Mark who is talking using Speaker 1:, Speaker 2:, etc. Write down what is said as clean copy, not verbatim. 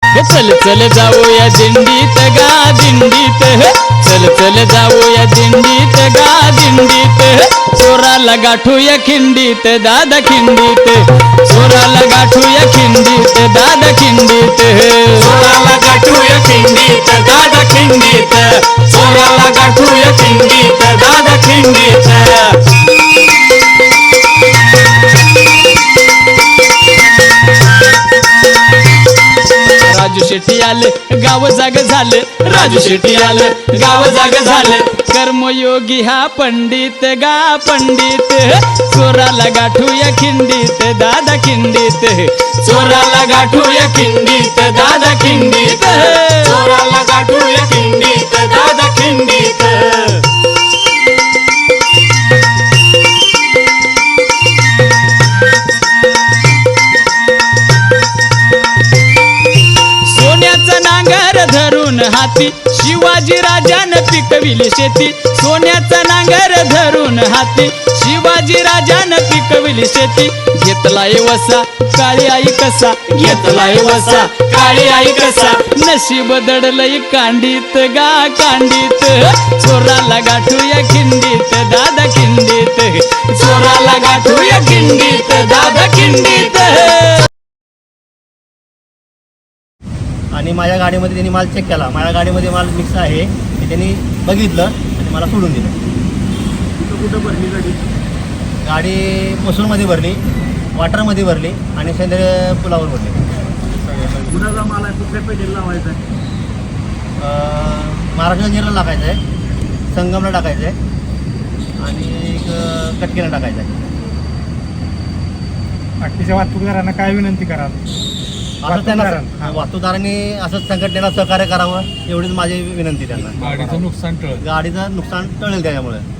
Speaker 1: चल चल जाऊया दिंडीत गा दिंडीत, चल चल जाऊया दिंडीत गा दिंडीत, चोराला गाठूया खिंडीत दादा खिंडीत, चोराला गाठूया खिंडीत दादा खिंडीत,
Speaker 2: चोराला गाठूया खिंडीत दादा खिंडीत, चोराला गाठूया खिंडीत दादा खिंडीत.
Speaker 1: राजू शेट्टी आले गाव जाग झाले, राजू शेट्टी आले गाव जाग झाले, कर्मयोगी हा पंडित गा पंडित, चोराला गाठूया खिंडीत दादा खिंडीत,
Speaker 2: चोराला गाठूया खिंडीत दादा खिंडीत, चोराला गाठूया खिंडीत दादा खिंडीत.
Speaker 1: सोन्याचा नांगर धरून हाती शिवाजी राजानं पिकविली शेती, सोन्याचा नांगर धरून हाती शिवाजी राजानं पिकविली शेती, घेतलाय वसा काळी आई कसा,
Speaker 2: घेतलाय वसा काळी आई कसा,
Speaker 1: नशीब दडलय कांडीत गा कांडीत, चोराला गाठूया खिंडीत दादा खिंडीत,
Speaker 2: चोराला गाठूया खिंडीत दादा खिंडीत.
Speaker 3: आणि माझ्या गाडीमध्ये त्यांनी माल चेक केला, माझ्या गाडीमध्ये माल मिक्स आहे हे त्यांनी बघितलं आणि मला सोडून दिलं.
Speaker 4: कुठं भरली गाडी?
Speaker 3: गाडी मसूरमध्ये भरली, वाटरमध्ये भरली आणि सेंद्रिय पुलावर भरली.
Speaker 4: कुणाचा माल आहे? कुठल्या पेटीला लावायचा आहे?
Speaker 3: महाराष्ट्र जंजिराला टाकायचं आहे, संगमला टाकायचं आहे आणि एक कटकेला टाकायचं आहे.
Speaker 4: बाकीच्या वाहतूकदारांना काय विनंती कराल?
Speaker 3: असं त्यांना वाहतूकदारांनी असंच संघटनेला सहकार्य करावं एवढीच माझी विनंती त्यांना.
Speaker 4: गाडीचं नुकसान टळ
Speaker 3: गाडीचं नुकसान टळेल त्याच्यामुळे.